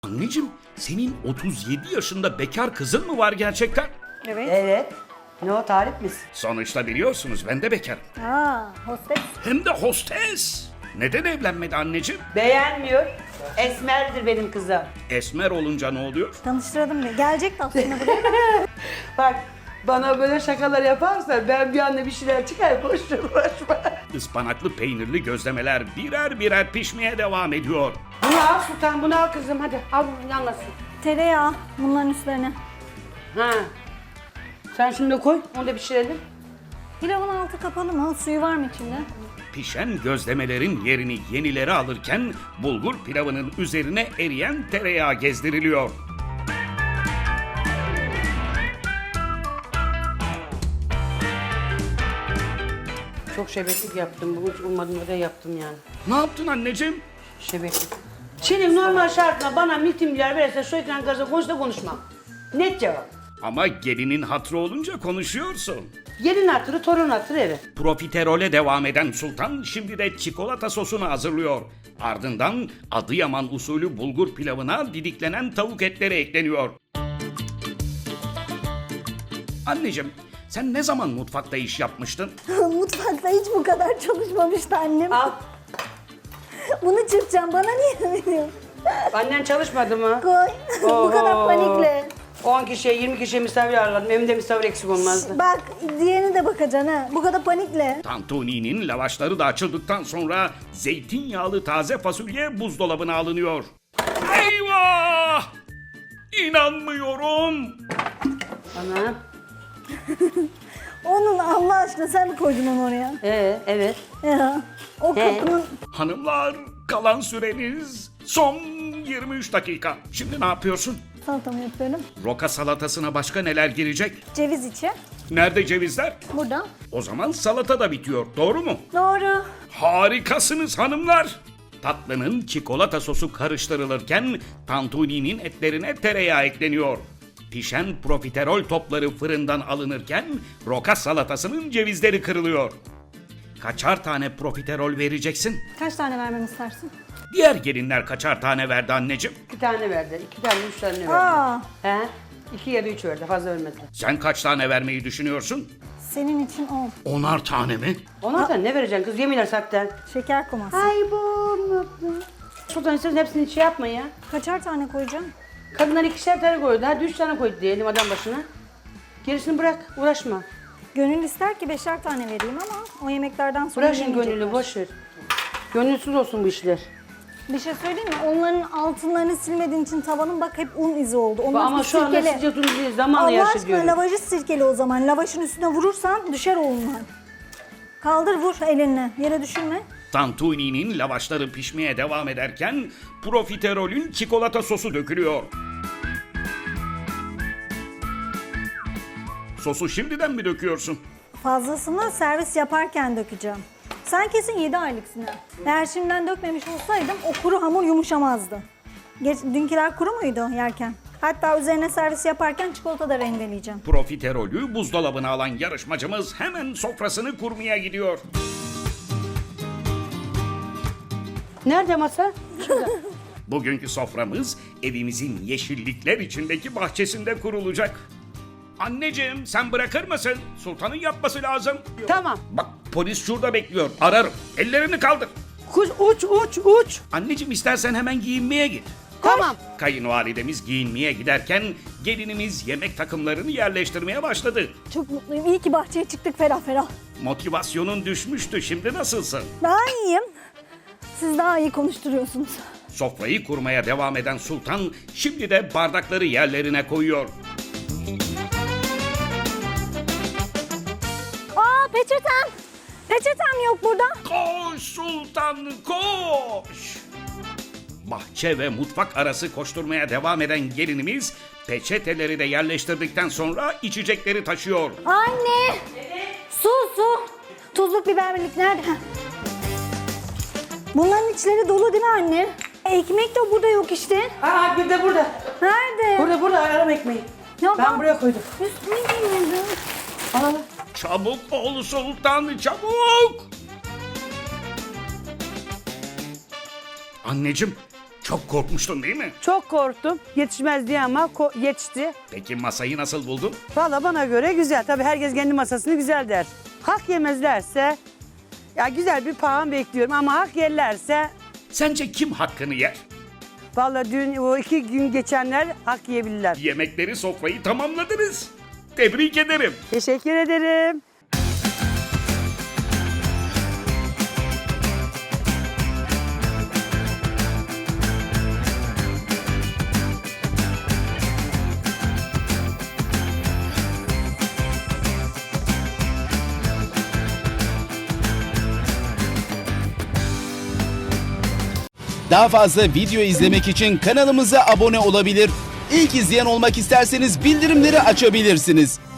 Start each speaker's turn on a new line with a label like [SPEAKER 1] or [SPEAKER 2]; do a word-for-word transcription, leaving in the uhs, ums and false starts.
[SPEAKER 1] Anneciğim, senin otuz yedi yaşında bekar kızın mı var gerçekten?
[SPEAKER 2] Evet.
[SPEAKER 3] Evet. Ne o, tarif misin?
[SPEAKER 1] Sonuçta biliyorsunuz ben de bekarım.
[SPEAKER 2] Aa, hostes.
[SPEAKER 1] Hem de hostes. Neden evlenmedi anneciğim?
[SPEAKER 3] Beğenmiyor. Esmerdir benim kızım.
[SPEAKER 1] Esmer olunca ne oluyor?
[SPEAKER 2] Tanıştırdım diye. Gelecekti aslında buraya.
[SPEAKER 3] Bak, bana böyle şakalar yaparsa ben bir anda bir şeyler çıkar, koştur koşma.
[SPEAKER 1] Ispanaklı peynirli gözlemeler birer birer pişmeye devam ediyor.
[SPEAKER 3] Bunu al Sultan, bunu al kızım, hadi al, yanmasın.
[SPEAKER 2] Tereyağı bunların üstlerine.
[SPEAKER 3] Ha. Sen şimdi koy, onu da pişirelim.
[SPEAKER 2] Pilavın altı kapalı mı? Suyu var mı içinde?
[SPEAKER 1] Pişen gözlemelerin yerini yenileri alırken bulgur pilavının üzerine eriyen tereyağı gezdiriliyor.
[SPEAKER 3] Çok şebeklik yaptım, bugün hiç ummadığım öyle yaptım yani.
[SPEAKER 1] Ne yaptın anneciğim?
[SPEAKER 3] Şebeklik. Şimdi normal şartla bana mitimler verirse şu ekran karşısında konuş da konuşmam. Net cevap.
[SPEAKER 1] Ama gelinin hatrı olunca konuşuyorsun.
[SPEAKER 3] Gelin hatırı, torun hatırı, evet.
[SPEAKER 1] Profiterole devam eden Sultan şimdi de çikolata sosunu hazırlıyor. Ardından Adıyaman usulü bulgur pilavına didiklenen tavuk etleri ekleniyor. Anneciğim, sen ne zaman mutfakta iş yapmıştın?
[SPEAKER 2] Mutfakta hiç bu kadar çalışmamıştı annem.
[SPEAKER 3] Al.
[SPEAKER 2] Bunu çırpacağım. Bana niye veriyorsun?
[SPEAKER 3] Annen çalışmadı mı?
[SPEAKER 2] Koy. bu kadar
[SPEAKER 3] Oho.
[SPEAKER 2] panikle.
[SPEAKER 3] on kişiye, yirmi kişiye misafir ağırladım. Evimde misafir eksik olmazdı.
[SPEAKER 2] Bak diğerine de bakacaksın ha. Bu kadar panikle.
[SPEAKER 1] Tantuni'nin lavaşları da açıldıktan sonra zeytinyağlı taze fasulye buzdolabına alınıyor. Eyvah! İnanmıyorum!
[SPEAKER 3] Ana.
[SPEAKER 2] Onun Allah aşkına sen mi koydun onu oraya?
[SPEAKER 3] Ee, evet.
[SPEAKER 2] Ya. O
[SPEAKER 3] He.
[SPEAKER 2] kapının...
[SPEAKER 1] Hanımlar, kalan süreniz son yirmi üç dakika. Şimdi ne yapıyorsun?
[SPEAKER 2] Salatamı yapıyorum.
[SPEAKER 1] Roka salatasına başka neler girecek?
[SPEAKER 2] Ceviz içi.
[SPEAKER 1] Nerede cevizler?
[SPEAKER 2] Burada.
[SPEAKER 1] O zaman salata da bitiyor, doğru mu?
[SPEAKER 2] Doğru.
[SPEAKER 1] Harikasınız hanımlar. Tatlının çikolata sosu karıştırılırken tantuni'nin etlerine tereyağı ekleniyor. Pişen profiterol topları fırından alınırken roka salatasının cevizleri kırılıyor. Kaçar tane profiterol vereceksin?
[SPEAKER 2] Kaç tane vermemi istersin?
[SPEAKER 1] Diğer gelinler kaçar tane verdi anneciğim?
[SPEAKER 3] İki tane verdi. İki tane, üç tane verdi.
[SPEAKER 2] Aa,
[SPEAKER 3] He? İki ya da üç verdi. Fazla vermediler.
[SPEAKER 1] Sen kaç tane vermeyi düşünüyorsun?
[SPEAKER 2] senin için on.
[SPEAKER 1] Onar tane mi?
[SPEAKER 3] Ondan sonra ne vereceksin kız? Yeminler zaten.
[SPEAKER 2] Şeker koması.
[SPEAKER 3] Ay bu. Sultan istersen hepsini şey yapma ya.
[SPEAKER 2] Kaçar tane koyacağım?
[SPEAKER 3] Kadınlar ikişer tane koydu. Hadi üç tane koydu diyelim adam başına. Gerisini bırak. Uğraşma.
[SPEAKER 2] Gönül ister ki beşer tane vereyim ama o yemeklerden sonra
[SPEAKER 3] Bırak şimdi
[SPEAKER 2] yemeyecekler.
[SPEAKER 3] gönüllü. Boş ver. Gönülsüz olsun bu işler.
[SPEAKER 2] Bir şey söyleyeyim mi? Onların altınlarını silmediğin için tavanın bak hep un izi oldu. Onlar
[SPEAKER 3] Ama
[SPEAKER 2] bir
[SPEAKER 3] şu anda
[SPEAKER 2] sirkele.
[SPEAKER 3] sizce tuzlu zamanla
[SPEAKER 2] Allah
[SPEAKER 3] yaşı
[SPEAKER 2] aşkına
[SPEAKER 3] diyorum.
[SPEAKER 2] lavajı sirkeli o zaman. Lavajın üstüne vurursan düşer o unlar. Kaldır vur elinle. Yere düşürme.
[SPEAKER 1] Tantuni'nin lavaşları pişmeye devam ederken profiterolün çikolata sosu dökülüyor. Sosu şimdiden mi döküyorsun?
[SPEAKER 2] Fazlasını servis yaparken dökeceğim. Sen kesin yedi aylıksın ha. Eğer şimdiden dökmemiş olsaydım o kuru hamur yumuşamazdı. Geç, dünküler kuru muydu yerken? Hatta üzerine servis yaparken çikolata da rendeleyeceğim.
[SPEAKER 1] Profiterolü buzdolabına alan yarışmacımız hemen sofrasını kurmaya gidiyor.
[SPEAKER 3] Nerede masa? Şurada.
[SPEAKER 1] Bugünkü soframız evimizin yeşillikler içindeki bahçesinde kurulacak. Anneciğim sen bırakır mısın? Sultanın yapması lazım.
[SPEAKER 3] Tamam.
[SPEAKER 1] Bak polis şurada bekliyor. Ararım. Ellerini kaldır.
[SPEAKER 3] Kuş uç uç uç.
[SPEAKER 1] Anneciğim istersen hemen giyinmeye git.
[SPEAKER 3] Tamam.
[SPEAKER 1] Kayınvalidemiz giyinmeye giderken gelinimiz yemek takımlarını yerleştirmeye başladı.
[SPEAKER 2] Çok mutluyum. İyi ki bahçeye çıktık ferah ferah.
[SPEAKER 1] Motivasyonun düşmüştü. Şimdi nasılsın?
[SPEAKER 2] Daha iyiyim. Siz daha iyi konuşturuyorsunuz.
[SPEAKER 1] Sofrayı kurmaya devam eden Sultan şimdi de bardakları yerlerine koyuyor.
[SPEAKER 2] Aa peçetem. Peçetem yok burada.
[SPEAKER 1] Koş Sultan koş! Bahçe ve mutfak arası koşturmaya devam eden gelinimiz peçeteleri de yerleştirdikten sonra içecekleri taşıyor.
[SPEAKER 2] Anne. Su su. Tuzluk biberlik nerede? Heh. Bunların içleri dolu değil mi anne? Ekmek de burada yok işte.
[SPEAKER 3] Aa bir de burada.
[SPEAKER 2] Nerede?
[SPEAKER 3] Burada burada arama ekmeği.
[SPEAKER 2] Ya
[SPEAKER 3] Ben buraya koydum.
[SPEAKER 2] Üstüne giymedim.
[SPEAKER 3] Al al.
[SPEAKER 1] Çabuk ol Sultan çabuk! Anneciğim Çok korkmuştun değil mi?
[SPEAKER 3] Çok korktum. Yetişmez diye ama ko- yetişti.
[SPEAKER 1] Peki masayı nasıl buldun?
[SPEAKER 3] Valla bana göre güzel. Tabii herkes kendi masasını güzel der. Hak yemezlerse ya güzel bir puan bekliyorum ama hak yerlerse
[SPEAKER 1] Sence kim hakkını yer?
[SPEAKER 3] valla dün o iki gün geçenler hak yiyebilirler.
[SPEAKER 1] Yemekleri, sofrayı tamamladınız. Tebrik ederim.
[SPEAKER 3] Teşekkür ederim.
[SPEAKER 4] Daha fazla video izlemek için kanalımıza abone olabilir. İlk izleyen olmak isterseniz bildirimleri açabilirsiniz.